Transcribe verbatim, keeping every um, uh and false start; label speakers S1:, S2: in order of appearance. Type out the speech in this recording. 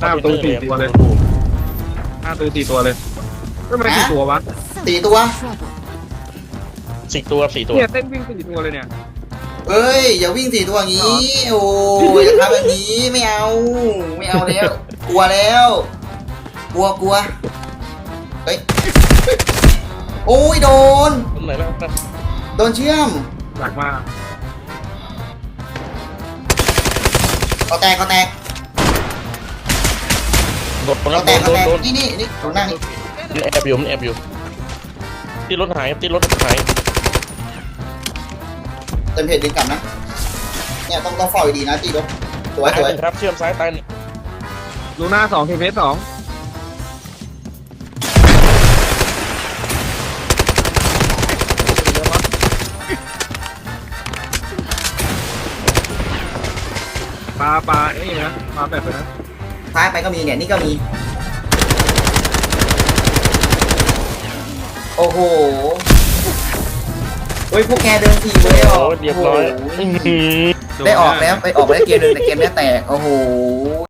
S1: หน้าประตูสี่ตัวเลยหน้าประตูสี่ตัวเลยทำไมสี่ตัววะ
S2: สี่ตัว
S3: สี่ตัวสี่ตัว
S1: เนี่ยเต้นวิ่งสี่ตัวเลยเนี่ย
S2: เอ้ยอย่าวิ่งสี่ตัวอย่างนี้ โอ้ยอย่าทำแบบนี้ไม่เอาไม่เอาแล้วกลัวแล้วกลัวกลัวเฮ้ยโอ้ยโดน
S3: ตรงไหนแล้วนะ
S2: โดนเชื่อม
S1: หลักมาก
S2: เขาแตกเขาแตก
S3: โดนโดน
S2: เขาแตก
S3: โด
S2: เขา
S3: น
S2: แตก
S3: โดน
S2: นี่นี่นี่ตรงนั่งนี่
S3: มันแอบอยู่มันแอบอยู่ที่รถหายที่รถหาย
S2: เต็มเพจดึงกลับนะเนี่ยต้องต้องเฝ้าดีๆนะตีรถสวยสวย
S3: ครับเชื่อมซ้ายตายนี่
S1: ลูน่าสองเคเพสสองปลาปลาเอ้ยนะปลาแบบนะ
S2: ท้ายไปก็มีเนี่ยนี่ก็มีโอ้โหโอ้ยพวกแกเดินทีเลย
S3: โอ้
S2: อ่ะ
S3: เรียบร้อย
S2: ได้ออกแล้วไปออกแล้วเกมนึงแต่เกมนี้แตกโอ้โห